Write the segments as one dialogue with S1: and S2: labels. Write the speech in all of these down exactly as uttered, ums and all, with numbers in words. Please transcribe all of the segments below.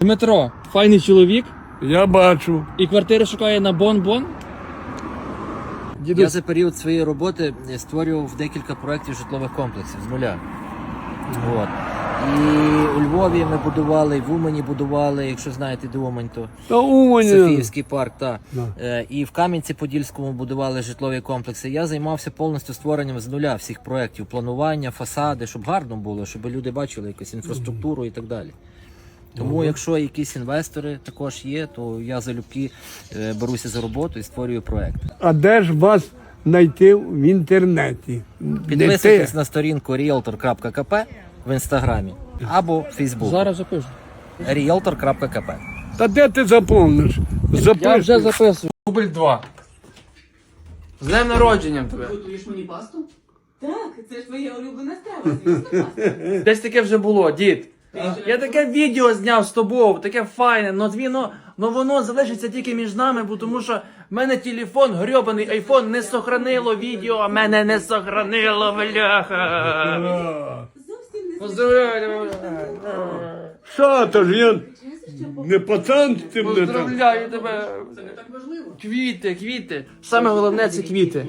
S1: Дмитро, файний чоловік.
S2: Я бачу.
S1: І квартири шукає на Бон-Бон.
S3: Я за період своєї роботи створював декілька проєктів житлових комплексів з нуля. От. І у Львові ми будували, і в Умані будували, якщо знаєте, де Умань, то
S2: Та Умані.
S3: Софіївський парк. Та.
S2: Да.
S3: Е, І в Кам'янці-Подільському будували житлові комплекси. Я займався повністю створенням з нуля всіх проєктів, планування, фасади, щоб гарно було, щоб люди бачили якусь інфраструктуру і так далі. Тому,
S2: Ага.
S3: якщо якісь інвестори також є, то я залюбки е, беруся за роботу і створюю проєкт.
S2: А де ж вас знайти в інтернеті?
S3: Підписуйтесь на сторінку ріелтор крапка ка пе в інстаграмі або в Фейсбуці.
S1: Зараз запишу.
S3: ріелтор крапка ка пе.
S2: Та де ти заповниш?
S1: Я вже
S2: Запиши.
S1: записую. Дубль два. З днем народженням тебе.
S4: Готуєш мені пасту? Так, це ж твоя улюблена страва, звісно, паста.
S1: Десь таке вже було, дід. Я таке відео зняв з тобою, таке файне, но воно, но воно залишиться тільки між нами, бо тому що в мене телефон, грьобаний айфон, не сохранило відео, а мене не сохранило, бляха.
S4: Зовсім не
S1: Поздравляю,
S2: Що, то ж я не пацан з тим не там.
S1: поздравляю тебе.
S4: Це не так важливо.
S1: Квіти, квіти. Саме головне це квіти.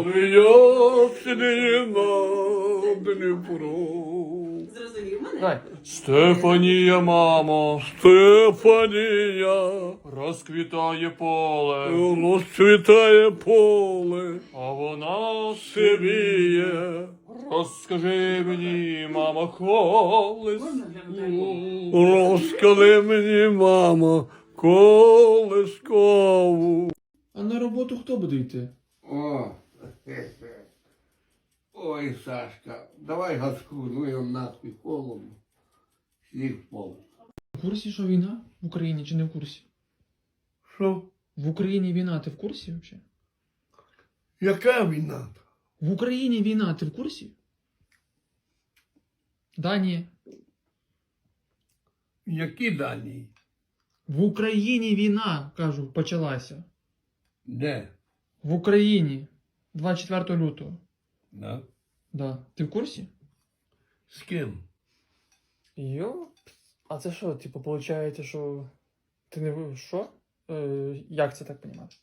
S4: Зрозумів мене?
S1: Давай. Стефанія, мамо,
S2: Стефанія,
S1: розквітає поле,
S2: розцвітає поле,
S1: а вона
S2: сивіє.
S1: розкажи мені, мамо, колись.
S4: Можна глянути?
S2: Розкажи мені, мамо, колискову.
S1: А на роботу хто буде йти?
S2: О, ой, Сашка, давай газку, ну його нахуй холодно. Сніг впав.
S1: В курсі, що війна в Україні чи не в курсі?
S2: Що?
S1: В Україні війна, ти в курсі взагалі?
S2: Яка війна?
S1: В Україні війна, ти в курсі? Да, ні.
S2: Які дані?
S1: В Україні війна, кажу, почалася.
S2: Де?
S1: В Україні. двадцять четвертого лютого.
S2: Да?
S1: Да. Ти в курсі?
S2: З ким?
S1: Йо? А це що, типу, виходить, що ти не ви- що? Е, як це так понімати?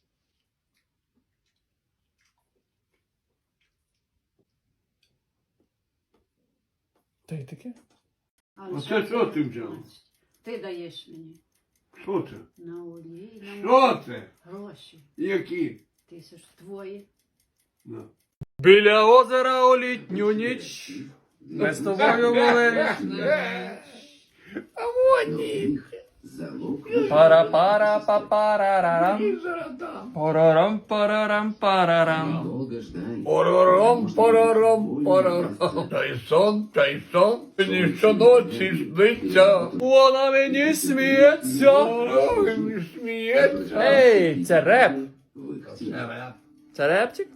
S1: Та й таке?
S2: А це що ти взяв?
S5: Ти даєш мені
S2: Що це?
S5: на олії, на
S2: Що це?
S5: гроші.
S2: Які?
S5: Тисяч твої.
S2: Да.
S1: Біля озера у літню ніч. Ми з тобою були.
S2: А вони.
S1: Пара-пара па-парарарам. Парарам парарам парарам.
S2: Парарам, парарам, парарам. Та й сон, та й сон. Мені щоночі сниться.
S1: Вона мені сміється.
S2: Вона мені сміється.
S1: Ей, це реп.
S2: Це реп.
S1: Це репчик?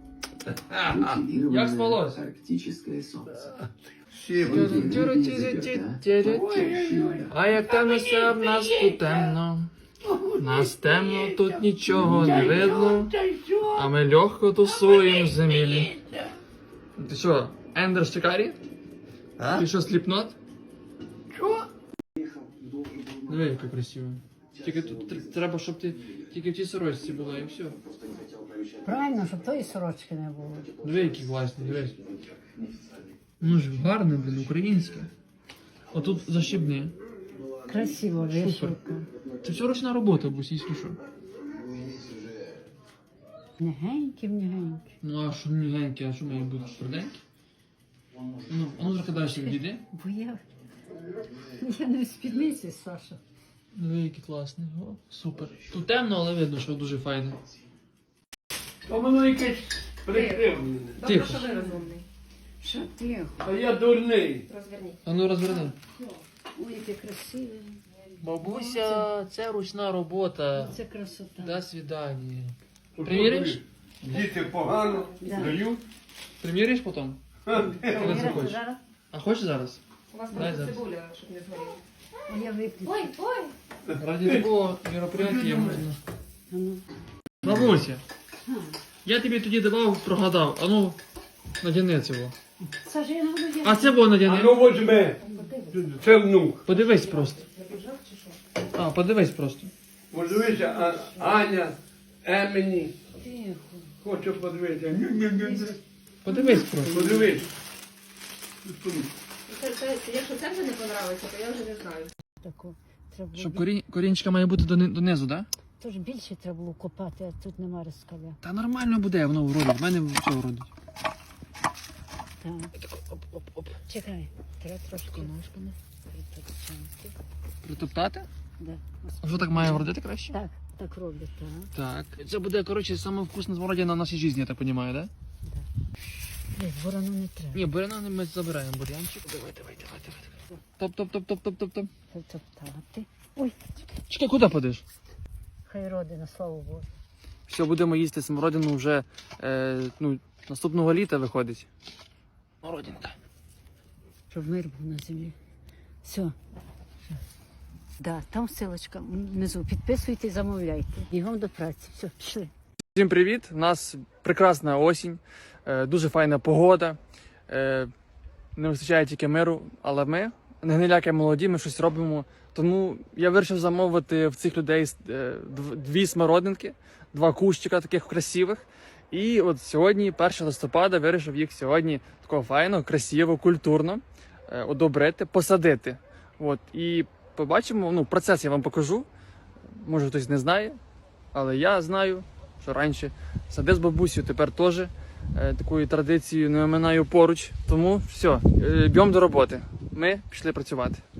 S1: Як спалось?
S6: Арктическое солнце.
S1: А як темно все в нас тут темно. Нас темно, тут нічого не видно. А ми легко тусуємо в землі. Ти що, Ендер Шикарі?
S3: А?
S1: Ти що, сліпнот?
S2: Що?
S1: Диви, яка красива. Тільки тут тр- треба, щоб ти тільки в тій сорочці була і все.
S5: Правильно, щоб тої сорочки не було.
S1: Диви, які класні, дивись. Ну ж гарне, блін, українське. Отут защібне.
S5: Красиво, вишивка.
S1: Це все ручна робота, бусійські що.
S5: Негенькі, негенькі.
S1: Ну а що мігенькі, а що має бути тверденькі? Ну, а ну трохи далі відійди.
S5: Бо я, я не в спідниці, Саша.
S1: Диви, які класні. О, супер. Тут темно, але видно, що дуже файне.
S2: А воно якесь прикривлене.
S1: Тихо.
S5: Що тихо?
S2: А я дурний.
S1: А ну розверни.
S5: Ой, яке красиве.
S1: Бабуся, це ручна робота.
S5: Це красота.
S1: До свидання. Приміриш?
S2: Діти погано
S5: Да.
S2: дають.
S1: Приміриш потім? Коли
S5: Віра,
S1: захочеш.
S5: зараз?
S1: А хочеш зараз?
S4: У вас
S1: Дай
S4: просто
S1: зараз.
S4: цибуля, щоб не згоріла.
S5: А я виключу.
S4: Ой, ой!
S1: Ради такого мероприятия можна.
S5: А ну.
S1: Бабуся, я тобі тоді давав, прогадав. А ну, надяни цього.
S5: Саша, я не буду
S1: А це було
S2: А
S1: надяни.
S2: ну возьми. Це внук.
S1: Подивись просто.
S4: Я піджак чи що?
S1: А, подивись просто.
S2: Подивися, а, Аня, Емені. Хочу подивитися. Ню-ню-ню-ню.
S1: Подивись просто.
S2: Подивись.
S4: Якщо це вже не подобається, то я вже не знаю.
S5: Таку. Треба було
S1: Щоб
S5: бі-
S1: корінь, корінчика має бути дони- донизу, так? Да?
S5: Тож більше треба було копати, а тут нема розкаля.
S1: Та нормально буде, воно вродить. В мене все вродить.
S5: Так. Оп, оп, оп. Чекай, треба трошки ножками притопчати.
S1: Притоптати?
S5: Да.
S1: А що так має вродити краще?
S5: Так, так роблять, так.
S1: Так. Це буде, коротше, саме вкусна смородина в нашій житті, я так розумію, так? Да?
S5: Десь ворону не треба.
S1: Ні, буряна ми забираємо бур'янчик. Давай, давай, давай, давай. Топ, топ, топ, топ, топ, топ, топ.
S5: Притоптати. Ой, чекай.
S1: Чекай, куди подиш?
S5: Хай родина, слава Богу.
S1: Все, будемо їсти смородину вже е, ну, наступного літа виходить. Смородинка.
S5: Щоб мир був на землі. Все. Да, там ссылочка внизу. Підписуйте, замовляйте. Бігом до праці. Все, пішли.
S1: Всім привіт! У нас прекрасна осінь, е, дуже файна погода. Е, не вистачає тільки миру, але ми, не гниляки молоді, ми щось робимо. Тому я вирішив замовити в цих людей е, дв- дві смородинки, два кущика таких красивих. І от сьогодні, першого листопада, вирішив їх сьогодні такого файно, красиво, культурно е, одобрити, посадити. От, і побачимо, ну, процес я вам покажу. Може хтось не знає, але я знаю, що раніше сади з бабусею, тепер теж е, такою традицією не оминаю поруч. Тому все, е, б'ємо до роботи. Ми пішли працювати.